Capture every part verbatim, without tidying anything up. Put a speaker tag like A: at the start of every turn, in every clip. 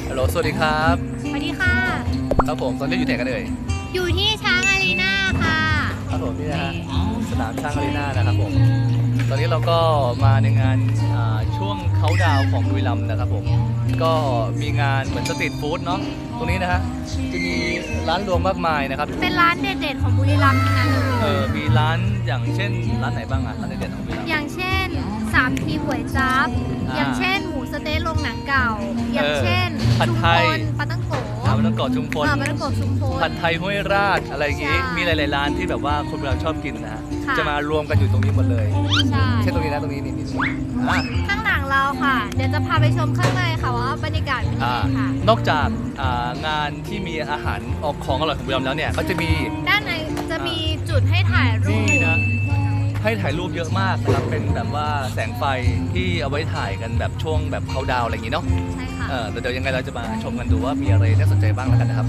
A: ฮัลโหลสวัสดีครับ
B: สวัสดีค่ะ
A: ครับผมตอนนี้อยู่ไหนกันเอ่ย
B: อยู่ที่ช้างอารีนาค่ะ
A: ครับผมนี่นะฮะสนามช้างอารีนานะครับผมตอนนี้เราก็มาในงานช่วงเค้าดาวของบุรีรัมย์นะครับผมก็มีงานเหมือนสตรีทฟู้ดเนาะตรงนี้นะฮะจะมีร้านรวมมากมายนะครับ
B: เป็นร้านเด็ดๆของบุรีรัมย์ทั้งนั้นเลย
A: เออมีร้านอย่างเช่นร้านไหนบ้างอะร้านเด็ดๆของบุรีรัมย์
B: อย่างเช่นสามทีก๋วยจั๊บอย่างเช่นหมูสะเต๊ะโรงหนังเก่าอย่างเช่น
A: ผัดไทย
B: ปลาตั้งโก
A: ปลาตั้งโกชุมพล
B: ปลาตั้งโกชุมพล
A: ผัดไทยห้วยราชอะไรอย่างงี้มีหลายๆร้านที่แบบว่าคนเราชอบกินนะฮะจะมารวมกันอยู่ตรงนี้หมดเลย
B: ใช่
A: ใช่ตรงนี้นะตรงนี้นี่นี่
B: ข้างหลังเราค่ะเดี๋ยวจะพาไปชมข้างในค่ะว่าบรรยากาศเป็นยังไงค่ะ
A: นอกจากงานที่มีอาหารออกของอร่อยของบุรีรัมย์แล้วเนี่ยก็จะมี
B: ด้านในจะมีจุดให้ถ่ายรูป
A: นี่นะให้ถ่ายรูปเยอะมากนะครับเป็นแบบว่าแสงไฟที่เอาไว้ถ่ายกันแบบช่วงแบบเขาดาวอะไรอย่างนี้เนาะ
B: ใช่ค่ะ
A: เออเดี๋ยวยังไงเราจะมาชมกันดูว่ามีอะไรน่าสนใจบ้างแล้วกันนะครับ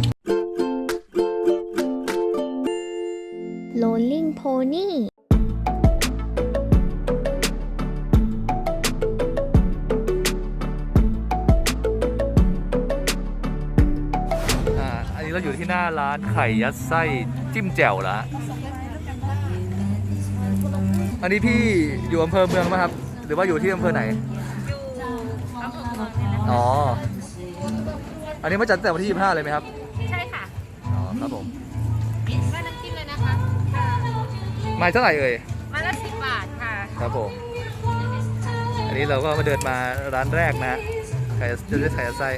B: Rolling Pony
A: อันนี้เราอยู่ที่หน้าร้านไข่ยัดไส้จิ้มแจ่วแล้วอันนี้พี่อยู่อำเภอเมืองไหมครับหรือว่าอยู่ที่อำเภอไหน
B: อยู่อำเภอเมืองนี่แหละ
A: อ๋ออันนี้มาจัดแต่วันที่ยี่สิบห้าเลยไหมครับ
B: ใช่ค่ะ
A: อ๋อครับผม
B: ได้น้ำจิ้มเลยนะคะ
A: ไม้เท่าไหร่เอ่ย
B: ไม้ละสิบบาทค่ะ
A: ครับผมอันนี้เราก็มาเดินมาร้านแรกนะไข่จะได้ไข่ยัดไส้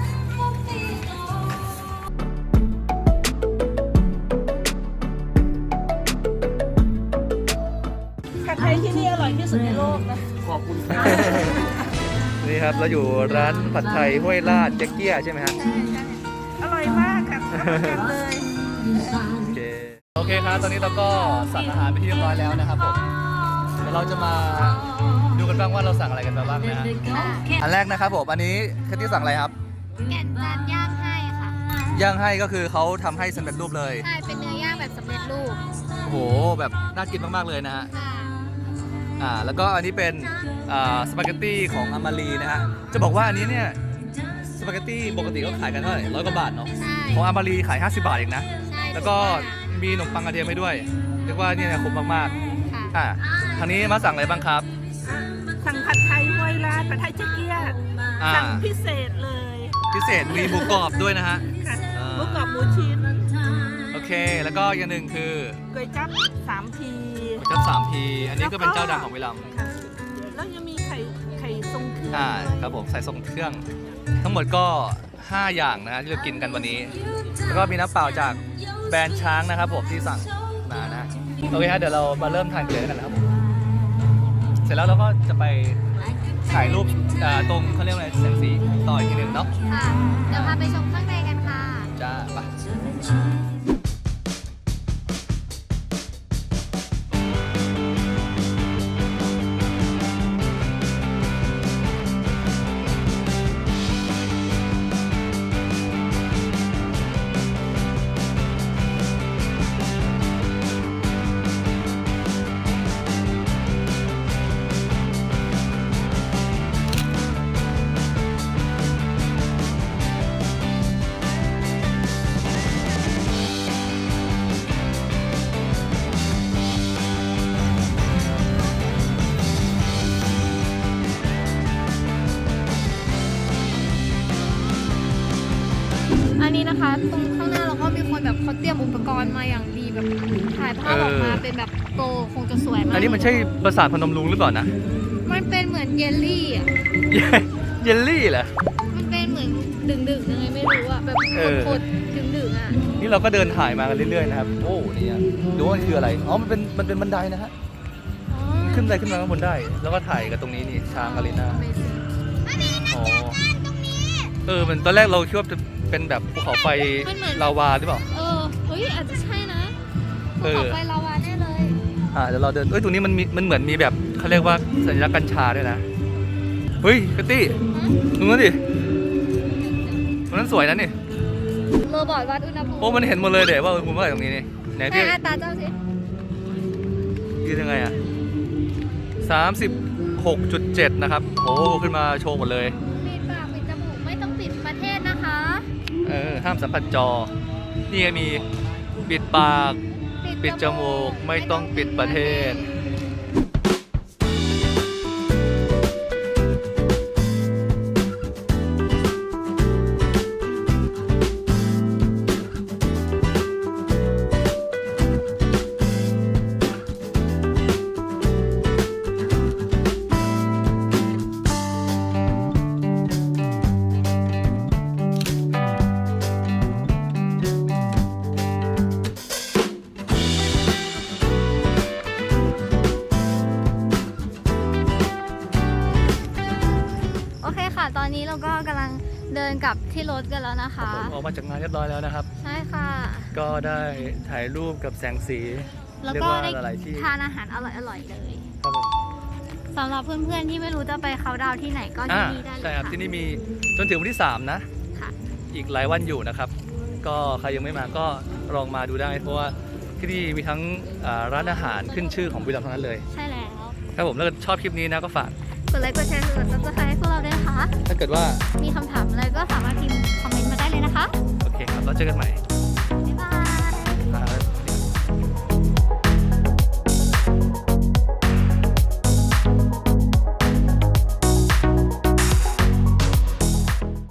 C: ผัดไทยที่นี่อร่อยที่สุดในโลกนะ
A: ขอบคุณครับนี่ครับเราอยู่ร้านผัดไทยห้วยลาดเจ๊กเกี้ยใช่ไหมฮะ
C: ใช่ใช่อร่อยมากค่ะกันเลย
A: โอเคโอเคครับตอนนี้เราก็สั่งอาหารไปที่เรียบร้อยแล้วนะครับผมเดี๋ยวเราจะมาดูกันบ้างว่าเราสั่งอะไรกันมาบ้างนะอันแรกนะครับผมอันนี้แคทตี้สั่งอะไรครับ
B: แก่นจานย่างให้ค่ะ
A: ย่างให้ก็คือเขาทำให้สำเร็จรูปเลย
B: ใช่เป็นเนื้อย่างแบบสำเร็จรูป
A: โอ้โหแบบน่ากินมากๆเลยนะฮะอ่าแล้วก็อันนี้เป็นอ่าสปาเกตตี้ของอามารีนะฮะจะบอกว่าอันนี้เนี่ยสปาเกตตี้ปกติก็ขายกันเท่าไหร่ร้อยกว่าบาทเนาะของอามารีขายห้าสิบบาทเองนะแล้วก็มีขนมปังกระเทียมให้ด้วยเรียกว่านี่นะคุ้มมากๆอ่าทางนี้มาสั่งอะไรบ้างครับ
C: สั่งผัดไทยห้วยลาดผัดไทยเจ๊กเกี้ยสั่งพิเศษเลย
A: พิเศษมีหมูกรอบด้วยนะฮะ
C: หมูกรอบหมูชิ้น
A: โอเคแล้วก็อย่างหนึ่งคือ
C: ก๋วยจั๊บสามพี
A: ก๋วยจั๊บสามพีอันนี้ก็เป็นเจ้าดังของบุรีรัมย์
C: แล้วยังมีไข่ไข่ทรงเครื่อง
A: อ่าครับผมใส่ทรงเครื่องทั้งหมดก็ห้าอย่างนะฮะที่เรากินกันวันนี้แล้วก็มีน้ำเปล่าจากแบรนด์ช้างนะครับผมที่สั่งมานะโอเคฮะเดี๋ยวเรามาเริ่มทานกันเลยกันนะครับเสร็จแล้วเราก็จะไปถ่ายรูปตรงเขาเรียกอะไรแสงสีต่ออีกทีหนึ่งเนาะ
B: ค่ะเดี๋ยวพาไปชมข้างในกันค่ะ
A: จ้าไป
B: อันนี้นะคะตรงข้างหน้าเราก็มีคนแบบเขาเตรียมอุปกรณ์มาอย่างดีแบบถ่ายภาพออกมาเป็นแบบโตคงจะสวยมาก
A: อันนี้มันใช่ปราสาทพนมรุ้งหรือเปล่านะ
B: มันเป็นเหมือนเยลลี่อ่ะ
A: เยลลี่เหรอ
B: มันเป็นเหมือนดึงๆยังไงไม่รู้อ่ะแบบโคตรดึงๆอ่ะ
A: นี่เราก็เดินถ่ายมากันเรื่อยๆนะครับโอ้นี่ดูว่ามันคืออะไรอ๋อมันเป็นมันเป็นบันไดนะฮะขึ้นไปขึ้นมาข้างบนได้แล้วก็ถ่ายกันตรงนี้นี่ช้างอารีนาอ๋อเออมันตอนแรกเราคิดว่าจะเป็นแบบภูเขาไฟลาวาหรือเปล่า
B: เออเฮ้ยอาจจะใช่นะภูเขาไฟลาวาแน่เลย
A: อ่าเดี๋ยวเราเดินเอ้ยตรงนี้มันมีมันเหมือนมีแบบเขาเรียกว่าสัญลักษณ์กัญชาด้วยนะเฮ้ยกตี้ดูนั่นดิตรงนั้นสวยนะนี่
B: โรบอทวัดอุณหภูมิ
A: โอ้มันเห็นหมดเลยเดี๋ยวว่าอุณหภูมิเท่าไหร่ตรงนี้นี่ไหนพี่
B: ตาเจ้าสิ
A: ยืนยังไงอ่ะสามสิบหกจุดเจ็ดนะครับโอ้ขึ้นมาโชว์หมดเลย
B: ปิดปากปิดจมูกไม่ต้องปิดประเทศนะคะ
A: เออห้ามสัมผัสจอ นี่ก็มีปิดปาก ปิดจมูก ไม่ต้องปิดประเทศ
B: โอเคค่ะ ตอนนี้เราก็กำลังเดินกลับที่รถกันแล้วนะคะ
A: ออกมาจากงานเรียบร้อยแล้วนะครับ
B: ใช่ค่ะ
A: ก็ได้ถ่ายรูปกับแสงสี
B: แล้ว
A: เรียก
B: ก็
A: ว่า
B: ได้
A: หลายๆที่
B: ทานอาหารอร่อยๆเลย
A: ครับผม
B: สำหรับเพื่อนๆที่ไม่รู้จะไปเขาน์ดาวน์ที่ไหนก็
A: อ่า
B: ที่นี่ได้เลย
A: ใช่ครับ
B: ค่ะ
A: ที่นี่มีจนถึงวันที่สามนะ
B: ค่ะ
A: อีกหลายวันอยู่นะครับ ก็ใครยังไม่มาก็ลองมาดูได้ เพราะว่าที่นี่มีทั้งอ่าร้านอาหารขึ้นชื่อของบุรีรัมย์ทั้งนั้นเลย
B: ใช่แล้ว
A: ครับผมถ้าเกิดชอบคลิปนี้นะก็ฝาก
B: กดไลค์กดแชร์กดซับสไครต์ให้พวกเราด้วยนะคะ
A: ถ้าเกิดว่า
B: มีคำถามอะไรก็สามารถพิมพ์คอมเมนต์มาได้เลยนะคะ
A: โอเคครับแล้วเจอกันใหม่